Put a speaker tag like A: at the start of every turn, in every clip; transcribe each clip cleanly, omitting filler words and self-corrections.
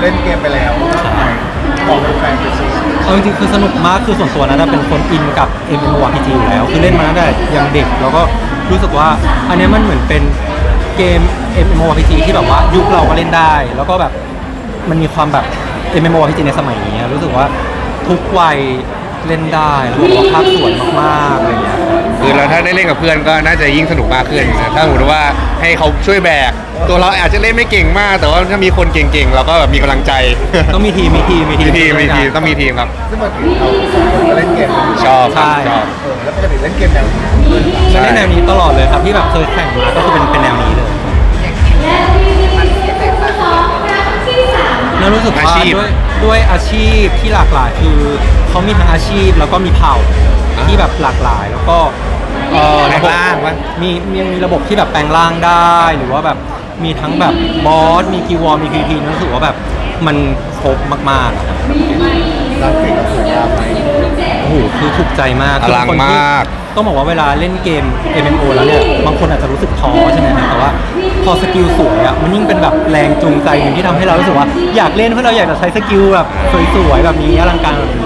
A: ล่นเกมไปแล้วบอกแฟนๆไปสิ
B: เอาจริงๆคือสนุกมากคือส่วนตัวนะเป็นคนอินกับ MMORPG อยู่แล้วคือเล่นมาตั้งแต่ยังเด็กแล้วก็รู้สึกว่าอันนี้มันเหมือนเป็นเกม MMORPG ที่แบบว่ายุคเราก็เล่นได้แล้วก็แบบมันมีความแบบ MMORPG ในสมัยนี้รู้สึกว่าทุกวัยเล่นได้แล้วก็ภาพสวยมากๆอะไรเงี้ย
C: คือเราถ้าได้เล่นกับเพื่อนก็น่าจะยิ่งสนุกมากขึ้นนะถ้าสมมติว่าให้เขาช่วยแบกตัวเราอาจจะเล่นไม่เก่งมากแต่ว่าถ้ามีคนเก่งๆเราก็แบบมีกำลังใจ
B: ต้องมีทีม
C: ต้องมีทีมครับ
A: ซึ่งปกติเราสองคนก็เล่นเกมกัน
C: ชอบ
B: ใช่
C: ชอบ
A: แล้วปกติเล่นเกมแนวไหน
B: เล่นแนวนี้ตลอดเลยครับที่แบบเคยแข่งมาก็คือเป็นแนวนี้เลยแล้วรู้สึกว่าด้วยอาชีพที่หลากหลายคือเขามีทั้งอาชีพแล้วก็มีเผ่าที่แบบหลากหลายแล้วก็ระบบมีระบบที่แบบแปลงร่างได้หรือว่าแบบมีทั้งแบบบอสมีกิวอร์มีพีพีรู้สึกว่าแบบมันครบมากๆอะครับ
A: รักเก่งกับสวยงามไหม
B: โอ้โหคือถูกใจมาก
C: อลังมาก
B: ต้องบอกว่าเวลาเล่นเกม MMO แล้วเนี่ยบางคนอาจจะรู้สึกท้อใช่ไหมครับแต่ว่าพอสกิลสวยอ่ะมันยิ่งเป็นแบบแรงจูงใจหนึ่งที่ทำให้เรารู้สึกว่าอยากเล่นเพราะเราอยากจะใช้สกิลแบบสวยๆแบบนี้อลังการแบบนี้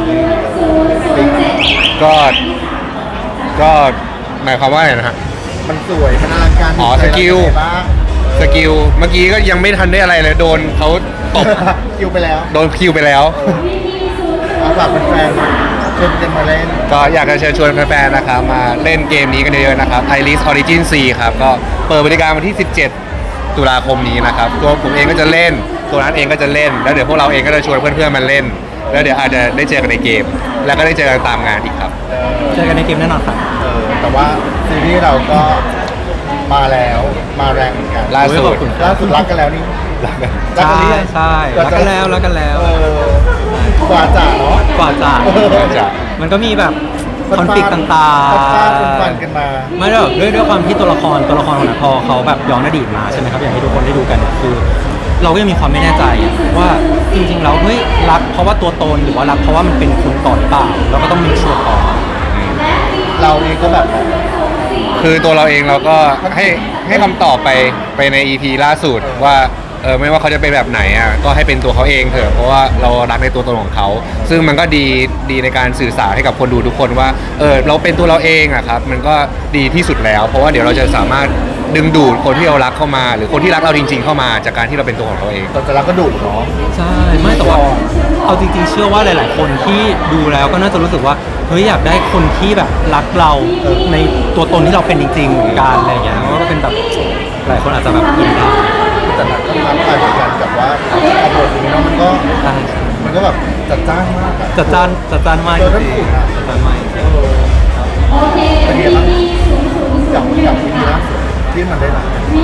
C: ก็หมายความว่าอะไรนะฮะ
A: มันสวยมันอลังการ
C: อ๋อสกิล สกิลเมื่อกี้ก็ยังไม่ทันได้อะไรเลยโดนเขาตบ
A: คิวไปแล้ว
C: โดนคิวไปแล้ว
A: เอาฝากแฟนๆชวนกันมาเล่น
C: ก็อยากจะเชิญชวนแฟนๆนะครับมาเล่นเกมนี้กันเยอะๆนะครับ Iris Origin 4 ครับก็เปิดบริการวันที่ 17 ตุลาคมนี้นะครับตัวผมเองก็จะเล่นตัวนั้นเองก็จะเล่นแล้วเดี๋ยวพวกเราเองก็จะชวนเพื่อนๆมาเล่นแล้วเดี๋ยวอาจจะได้เจอกันในเกม แล้วก็ได้เจอกันตามงานอีกครับ
B: เจอกันในเกมแน่นอนครับ
A: แต่ว่าซีรีส์เราก็มาแล้วมาแรงเหมือนกัน
C: ล่าสุด
B: ขอบคุณ
A: ล่าสุดรักกันแล้วนี่
B: ใช่ใช่รักกันแล้ว
A: กว่าจะเนาะ
B: กว่าจะ
C: จะ
B: มันก็มีแบบคอนฟ lict ต่างๆ
A: ฟันกันมา
B: ไม่หรอกด้วยความที่ตัวละครของนักพอเขาแบบย้อนอดีตมาใช่ไหมครับอย่างที่ทุกคนได้ดูกันเนี่ยคือ เราก็ยังมีความไม่แน่ใจว่าจริงๆแล้วเฮ้ยรักเพราะว่าตัวตนหรือว่ารักเพราะว่ามันเป็นคนก่อนหรือเปล่าเราก็ต้องมีชัวร์ก่อน
A: เราเองก็แบบ
C: คือตัวเราเองเราก็ให้คำตอบไปใน EP ล่าสุดว่าไม่ว่าเขาจะเป็นแบบไหนอ่ะก็ให้เป็นตัวเขาเองเถอะเพราะว่าเรารักในตัวตนของเขาซึ่งมันก็ดีในการสื่อสารให้กับคนดูทุกคนว่าเราเป็นตัวเราเองอ่ะครับมันก็ดีที่สุดแล้ว เพราะว่าเดี๋ยวเราจะสามารถดึงดูดคนที่เรารักเข้ามา หรือคนที่รักเราจริงๆเข้ามาจากการที่เราเป็นตัวของเขาเอง
A: แต่เราก็ดุเนาะ
B: ใช่ไม่แต่ว่าเอาจริงๆเชื่อว่าหลายๆคนที่ดูแล้วก็น่าจะรู้สึกว่าเฮ้ยอยากได้คนที่แบบรักเราในตัวตนที่เราเป็นจริงๆเหมือนกันอะไรอย่างเงี้ยก็เป็นแบบหลายคนอาจจะแบบอินได้
A: แต่หนักก็ท้าทายเหมือนกันกับว่าเอาบทนี้เนาะมันก็แบบจัดจ้านมากอะ
B: จัดจ้านมากจริงๆจัดจ้านมากจริง
A: เป็นไงบ้างกับวิธีล่าสุดที่มันได้รับ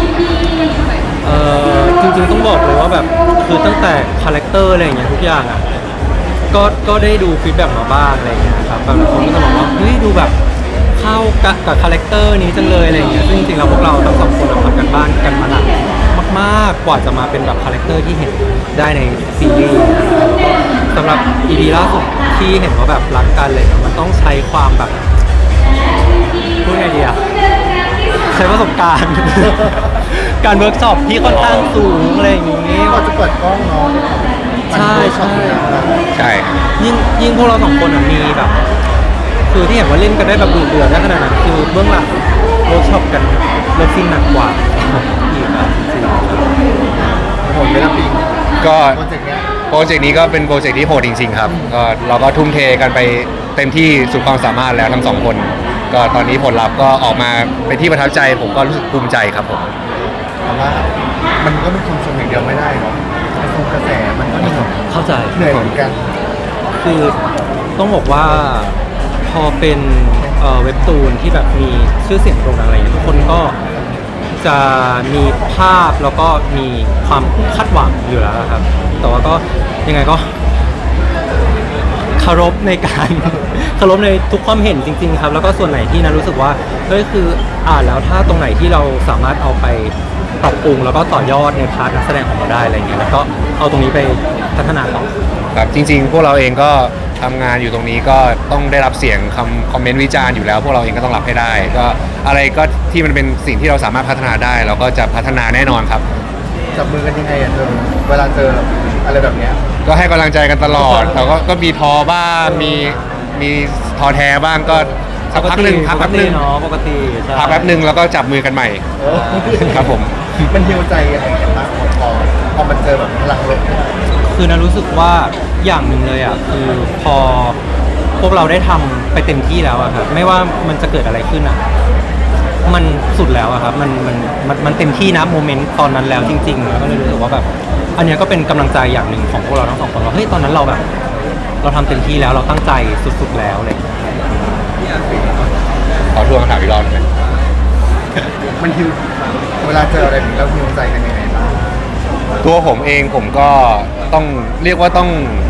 B: จริงๆต้องบอกเลยว่าแบบคือตั้งแต่คาแรคเตอร์อะไรอย่างเงี้ยทุกอย่างอ่ะก็ได้ดูฟีดแบ็กมาบ้างอะไรอย่างเงี้ยครับบางคนก็จะบอกว่าเฮ้ยดูแบบเข้ากับคาแรคเตอร์นี้จังเลยอะไรอย่างเงี้ยซึ่งจริงๆแล้วพวกเราทั้งสองคนทำกันบ้านกันมาหนักมากๆกว่าจะมาเป็นแบบคาแรคเตอร์ที่เห็นได้ในซีรีส์นะครับสำหรับ EP ล่าสุดที่เห็นว่าแบบรักกันเลยมันต้องใช้ความแบบพูดไงดีอะใช้ประสบการณ์ การเวิร์กช็อปที่ค่อนข้างสูงอะไรอย่างงี้
A: ก็จะเปิดกล้องเนาะ
B: ใช่
C: ใช่
B: ยิ่งพวกเราสองคนมีแบบ คือที่เห็นว่าเล่นกันได้แบบดุเดือดได้ขนาดนั้นคือเบื้องหลังเวิร์กช็อปกันเลิฟซีนหนักกว่าอีกอะจริง
A: ผมไม่รับปิง
C: ก็
A: โปรเจกต์เนี้ย
C: โปรเจกต์นี้ก็เป็นโปรเจกต์ที่โหดจริงๆครับก็เราก็ทุ่มเทกันไปเต็มที่สุดความสามารถแล้วทั้งสองคน ก็ตอนนี้ผลลัพธ์ก็ออกมาเป็นที่ประทับใจผมก็รู้สึกภูมิใจครับผม
A: แต่ว่ามันก็เป็นคนชมอย่างเดียวไม่ได้เนาะไอ้คงกระแสมันก็เหนื่อย
B: ๆเข้าใจ
A: เหนื่อยเหมือนกัน
B: คือต้องบอกว่าพอเป็นเว็บตูนที่แบบมีชื่อเสียงโด่งดังอะไรอย่างเงี้ยทุกคนก็จะมีภาพแล้วก็มีความคาดหวังอยู่แล้วครับ แต่ว่าก็ยังไงก็เคารพในการ เคารพในทุกความเห็นจริงๆครับแล้วก็ส่วนไหนที่นะรู้สึกว่าเฮ้ยคืออ่านแล้วถ้าตรงไหนที่เราสามารถเอาไปปรับปรุงแล้วก็ต่อยอดในพาร์ทนักแสดงของเราได้อะไรเงี้ยแล้วก็เอาตรงนี้ไปพัฒนาต่อ
C: ครับจริงๆ พวกเราเองก็ทำงานอยู่ตรงนี้ก็ต้องได้รับเสียงคอมเมนต์วิจารณ์อยู่แล้ว พวกเราเองก็ต้องรับให้ได้ ก็อะไรก็ที่มันเป็นสิ่งที่เราสามารถพัฒนาได้ เราก็จะพัฒนาแน่นอนครับ
B: ใ
A: จับมือกันยังไงเธอเวลาเจออะไรแบบเนี้ย
C: ก็ให้กำลังใจกันตลอดแต่ก็มีท้อบ้างมีท้อแท้บ้างก็สักพักหนึ่งพัก
B: ป
C: แป๊
B: ก
C: บห
B: ติ
C: นึ่ง
B: เนาะปกติใช่
C: พักแป๊บหนึ่งแล้วก็จับมือกันใหม่
A: เออ
C: ครับผม
A: มันฮิวใจอะไรกันบ้างพอมันเจอแบบพลังลบ
B: คือนะรู้สึกว่าอย่างหนึ่งเลยอ่ะคือพอพวกเราได้ทำไปเต็มที่แล้วอะครับไม่ว่ามันจะเกิดอะไรขึ้นอ่ะมันสุดแล้วอะครับมันเต็มที่นะโมเมนต์ตอนนั้นแล้วจริงๆแล้วก็เลยรู้สึกว่าแบบอันเนี้ยก็เป็นกำลังใจอย่างหนึ่งของพวกเราทั้งสองคนว่าเฮ้ยตอนนั้นเราแบบเราทำเต็มที่แล้วเราตั้งใจสุดๆแล้วอะไรอย่างเลย
C: ขอทวงคำถามอีกรอบหนึ่งไหม
A: มันฮิวเวลาเจออะไรแบบนี้เราฮิวใจกันยังไงบ้าง
C: ตัวผมเองผมก็ต้องเรียกว่า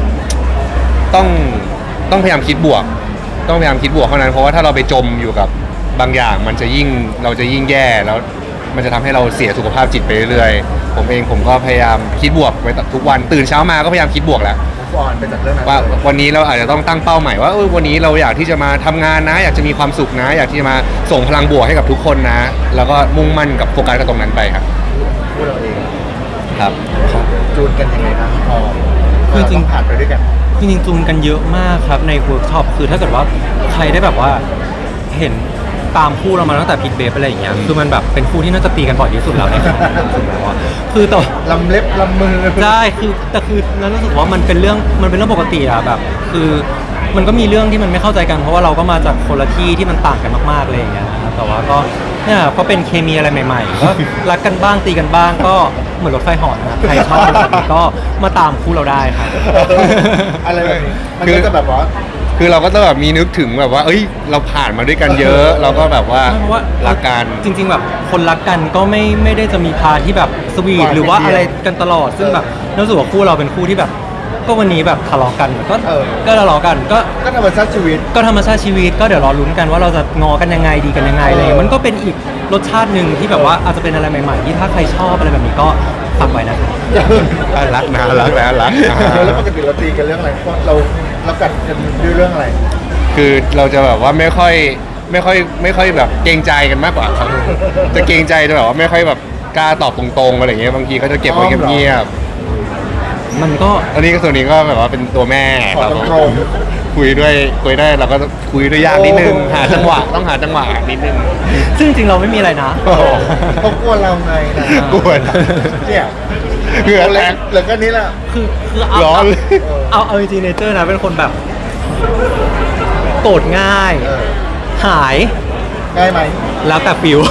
C: ต้องพยายามคิดบวก ต้องพยายามคิดบวกเท่านั้นเพราะว่าถ้าเราไปจมอยู่กับบางอย่างเราจะยิ่งแย่แล้วมันจะทำให้เราเสียสุขภาพจิตไปเรื่อยๆผมก็พยายามคิดบวกไปทุกวันตื่นเช้ามาก็พยายามคิดบวกแหละ
A: ฟอนไปจากเรื่องนั้น
C: ว่า
A: เลย
C: วันนี้เราอาจจะต้องตั้งเป้าใหม่ว่าวันนี้เราอยากที่จะมาทำงานนะ อยากจะมีความสุขนะ อยากที่จะมาส่งพลังบวกให้กับทุกคนนะ แล้วก็มุ่งมั่นกับโฟกัสกับตรงนั้นไปครับ
A: พูดเราเอง
C: ครับ
A: จูนกันยังไงครับพอ
B: คือจริง
A: ผ่านไปด้วยกัน
B: จริงๆจูนกันเยอะมากครับในเวิร์กช็อปคือถ้าเกิดว่าใครได้แบบว่าเห็นตามคู่เรามาตั้งแต่พิทเบฟอะไรอย่างเงี้ยคือมันแบบเป็นคู่ที่น่าจะตีกันบ่อยที่สุดแล้วในครั้งนี้สุดแล้วอะคือต่อ
A: ลำเล็บลำมือ
B: ได้คือแต่คือนั้นรู้สึกว่ามันเป็นเรื่องปกติอะแบบคือมันก็มีเรื่องที่มันไม่เข้าใจกันเพราะว่าเราก็มาจากคนละที่ที่มันต่างกันมากๆเลยอย่างเงี้ยนะครับแต่ว่าก็เนี่ยก็เป็นเคมีอะไรใหม่ๆก็รักกันบ้างตีกันบ้างก็เหมือนรถไฟเหอนะครับใครชอบแบบนี้ก็มาตามคู่เราได้ครับ
A: อะไรแบบนี้มันก็จะแบบว่า
C: คือเราก็ต้องแบบมีนึกถึงแบบว่า เอ้ย เราผ่านมาด้วยกันเยอะ เราก็แบบว่า
B: เพราะว่า
C: รักกัน
B: จริง ๆ แบบคนรักกันก็ไม่ได้จะมีพาร์ทที่แบบสวี
A: ห
B: ท
A: วาน
B: หรือว่า
A: นิดเดียว
B: อะไรกันตลอด ซึ่งแบบรู้สึกว่าคู่เราเป็นคู่ที่แบบ ก็วันนี้แบบทะเลาะกันก็
A: เออ
B: ก็ทะเลาะกันก็
A: ก็ธรรมชาติชีวิต
B: ก็ธรรมชาติชีวิตก็เดี๋ยวรอลุ้นกันว่าเราจะงอกันยังไงดีกันยังไงอะไรอย่างเงี้ยมันก็เป็นอีกรสชาติหนึ่งที่แบบว่าอาจจะเป็นอะไรใหม่ๆที่ถ้าใครชอบอะไรแบบนี้ก็ฝากไว้นะครับ
C: รักนะรักแล้วรัก
A: แล้วปกติเราตีกันเรื่องอะไรเพราะเรากัดกันด้วยเรื่องอะไร
C: คือเราจะแบบว่าไม่ค่อยแบบเกรงใจกันมากกว่าครับจะเกรงใจจะแบบว่าไม่ค่อยแบบกล้าตอบตรงๆอะไรอย่างเงี้ยบางทีก็จะเก็บไว้เงียบ
B: มันก็
C: ๆอันนี้ก็ส่วนนี้ก็แบบว่าเป็นตัวแม่
A: ขอ
C: เรา
A: ต
C: ก็
A: รง
C: คุยได้เราก็คุยด้วยยากนิดนึง
A: โอ้
C: หาจังหวะต้องหาจังหวะนิดนึง
B: ซึ่งจริงๆเราไม่มีอะไรนะ
A: ๆเขากลัวเราไงนะ
C: กลัวนะ
A: เนี่ย
C: เหงื่อแตก
A: เหลือแค่นี้แหละ
B: คือเอา
C: ร้อนเลย
B: เอาจริงๆเนเจอร์นะเป็นคนแบบโกรธง่าย
A: เออ
B: หาย
A: ง่ายไหม
B: แล้วแต่ฟิว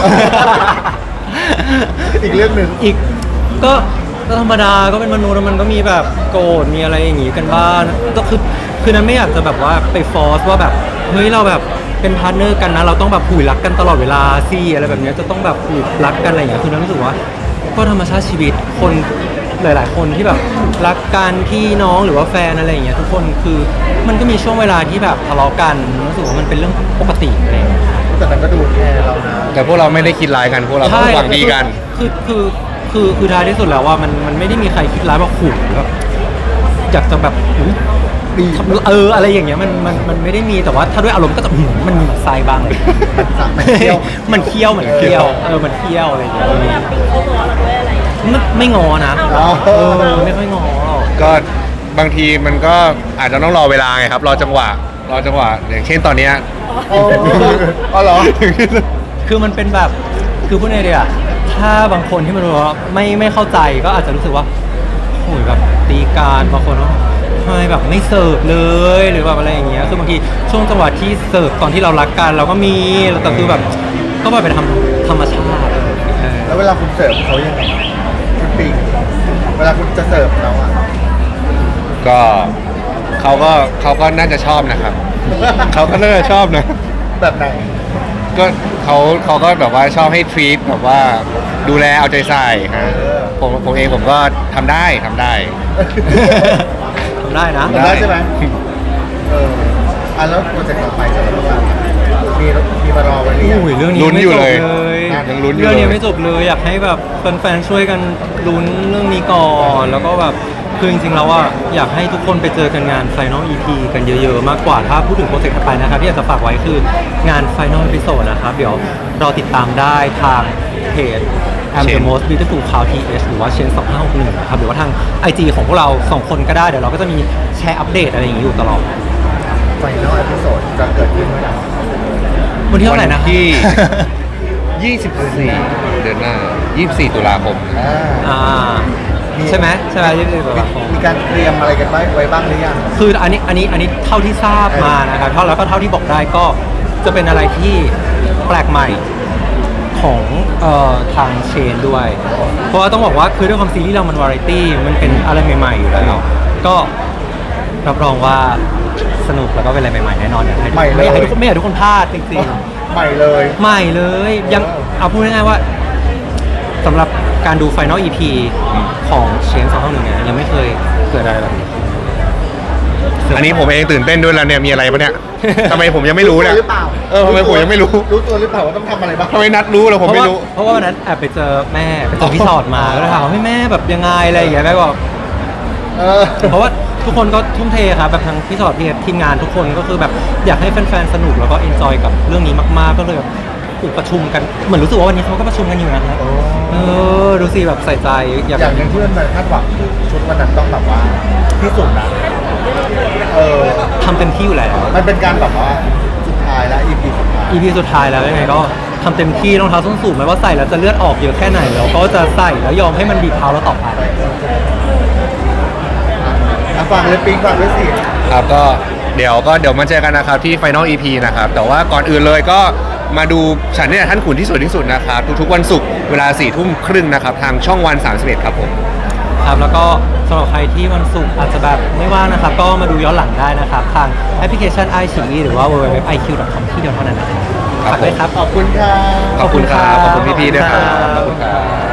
A: อีกเรื่องหนึ่ง
B: อีกก็ธรรมดาก็เป็นมนุษย์แล้วมันก็มีแบบโกรธมีอะไรอย่างงี้กันบ้างก็คือนั้นไม่อยากจะแบบว่าไปฟอร์สว่าแบบเฮ้ยเราแบบเป็นพาร์ทเนอร์กันนะเราต้องแบบผูยรักกันตลอดเวลาสิอะไรแบบเนี้ยจะต้องแบบผูยรักกันอะไรอย่างเงี้ยคือนั้นรู้สึกว่าก็ธรรมชาติชีวิตคนหลาย ๆ คนที่แบบรักกันพี่น้องหรือว่าแฟนอะไรอย่างเงี้ยทุกคนคือมันก็มีช่วงเวลาที่แบบทะเลาะกันรู้สึกว่ามันเป็นเรื่องปกติอะไรอย่างเงี้ย
A: แต่นั้นก็ดูแคร์เรานะ
C: แต่พวกเราไม่ได้คิดร้ายกันพวกเราก็หวังดีกัน
B: คือท้ายที่สุดแล้วว่ามันไม่ได้มีใครคิดร้ายว่าขู่แบบอยากจะแบบอุ๊ย
A: ดี
B: อะไรอย่างเงี้ยมันไม่ได้มีแต่ว่าถ้าด้วยอารมณ์ก็จะมันมีหมันไส้บ้างเลย
A: มันเคี้ยว
B: มันเคี้ยวมันเคี้ยวมันเคี้ยวอะไรอย่างเงี้ยไม่งอนะไม่ค่อยงอหรอก
C: ก็บางทีมันก็อาจจะต้องรอเวลาไงครับ รอจังหวะอย่างเช่นตอนเนี้ย
A: อ๋อเหรอ
B: คือมันเป็นแบบคือพูดไงดีอะถ้าบางคนที่มันรู้ว่าไม่เข้าใจก็อาจจะรู้สึกว่าโอ้ยแบบตีการบางคนว่าทำไมแบบไม่เสิร์ฟเลยหรือแบบอะไรอย่างเงี้ยคือบางทีช่วงจังหวะที่เสิร์ฟตอนที่เรารักกันเราก็มีแต่คือแบบก็แบบเป็นธรรมชาติ
A: แล้วเวลาคุณเสิร์ฟเขายังไงคุณปิงเวลาคุณจะเสิร์ฟเขาอ่ะ
C: ก็เขาก็น่าจะชอบนะครับ เขาก็น่าจะชอบนะ
A: แบบไหน
C: ก็เขาก็แบบว่าชอบให้ทรีตแบบว่าดูแลเอาใจใส่ฮะผมเองผมก็ทำได้
B: ทำได้นะ
A: ทำได้ใช่ไหมแล้วโปรเจกต์ต่อไปจะเป็นว่ามีมารอไว้หรือยัง
B: โอ้ยเรื่องนี้
C: ลุ้น
B: ไม่
C: อยู่
B: จบ
C: เลย
B: เลย
C: ยังลุ้นอยู่
B: เรื่อง
C: เล
B: นี้
C: ย
B: ไม่จบเลยอยากให้แบบแฟนๆช่วยกันลุ้นเรื่องนี้ก่อนแล้วก็แบบคือจริงๆแล้วว่าอยากให้ทุกคนไปเจอกันงาน Final EP กันเยอะๆมากกว่าถ้าพูดถึงโปรเจกต์ถัดไปนะครับที่อยากจะฝากไว้คืองาน Final Episode นะครับเดี๋ยวรอติดตามได้ทางเพจ I'm the
C: Chen
B: most beautiful cow TH หรือว่าเชน2561นะครับหรือว่าทาง IG ของพวกเรา 2 คนก็ได้เดี๋ยวเราก็จะมีแชร์อัปเดตอะไรอย่างนี้อยู่ตลอด
A: ไฟนอลเอพิโซดจะเกิดขึ้นเมื่อไหร่
B: วันที่เท่าไหร่นะ
C: ที่ 24 เดือนหน้า 24 ตุลาคม
B: อ่าใช่ไหม24ตุลาคม
A: มีการเตรียมอะไรกันไว้บ้างหรือยัง
B: คืออันนี้เท่าที่ทราบมานะครับแล้วก็เท่าที่บอกได้ก็จะเป็นอะไรที่แปลกใหม่ของทางเชนด้วย เพราะว่าต้องบอกว่าคือด้วยความซีรีส์เรามันวาไรตี้มันเป็นอะไรใหม่ๆอยู่แล้วก็รับรองว่าสนุกแล้วก็เป็นอะไรใหม่ๆแน่นอนอยากให้ทุกคนไม่อยากให้ทุกคนพลาดจริงๆ
A: ใหม่เลย
B: ใหม่เลยยังเอาพูดง่ายๆว่าสำหรับการดู Final EP ของเชน251เนี่ยยังไม่เคยเกิดอะไรแบบนี้
C: อันนี้ผมเองตื่นเต้นด้วยแล้วเนี่ยมีอะไรปะเนี่ย ทำไมผมยังไม่รู้เนี่ย
A: หรือเปล่า
C: ทำไมผมยังไม่รู้
A: รู้ตัวหรือเปล่าว่าต้องทำอะไรบ้าง
C: ทำไมนัดรู้แล้วผมไม่รู้
B: เพราะว่าวันนั้นแอบไปเจอแม่ไปเจอพี่ชอดมาก็เลยถามว่าแม่แบบยังไงอะไรอย่างเงี้ยแม่บอก
A: เออ
B: เพราะว่าทุกคนก็ทุ่มเทครับแบบทั้งพี่ชอดพี่เอฟทีมงานทุกคนก็คือแบบอยากให้แฟนๆสนุกแล้วก็เอนจอยกับเรื่องนี้มากๆก็เลยแบบประชุมกันเหมือนรู้สึกว่าวันนี้เขาก็ประชุมกันอยู่นะครับ
A: โอ้
B: ดูสิแบบใส่ใจอยาก
A: อย่างหนึ่งที่มันคาดหวังคือชุดวันนั้นต้องแบบว่าที่สุดนะ
B: ทำเต็มที่อยู่แล้ว
A: มันเป็นการแบบว่าสุดท้ายแล้ว EP สุดท้าย
B: EP สุดท้ายแล้วยังไงก็ทำเต็มที่รองเท้าส้นสูงไม่ว่าใส่แล้วจะเลือดออกเยอะแค่ไหนเราก็จะใส่แล้วยอมให้มันบีบเท้าเราต่อไป
A: ฟังเลยปิ๊งฟังด้วยสิ
C: ครับก็เดี๋ยวมาเจอกันนะครับที่ Final EP นะครับแต่ว่าก่อนอื่นเลยก็มาดูฉันเนี่ยท่านขุนที่สวยที่สุดนะครับทุกๆวันศุกร์เวลา4 ทุ่มครึ่งนะครับทางช่องวัน31ครับผม
B: ครับแล้วก็สำหรับใครที่วันศุกร์อาจจะแบบไม่ว่างนะครับ ก็มาดูย้อนหลังได้นะครับ ทางแอปพลิเคชัน iQIYI หรือว่า www.iq.com ที่เดียวเท่านั้นนะครับ
C: ครับ
B: ฝากด้วยครับ
A: ขอบคุณค่ะ
C: ขอบคุณครับขอบคุณพี่ๆด้วยครับ
B: ขอบคุณครับ
C: ขอบคุณครับ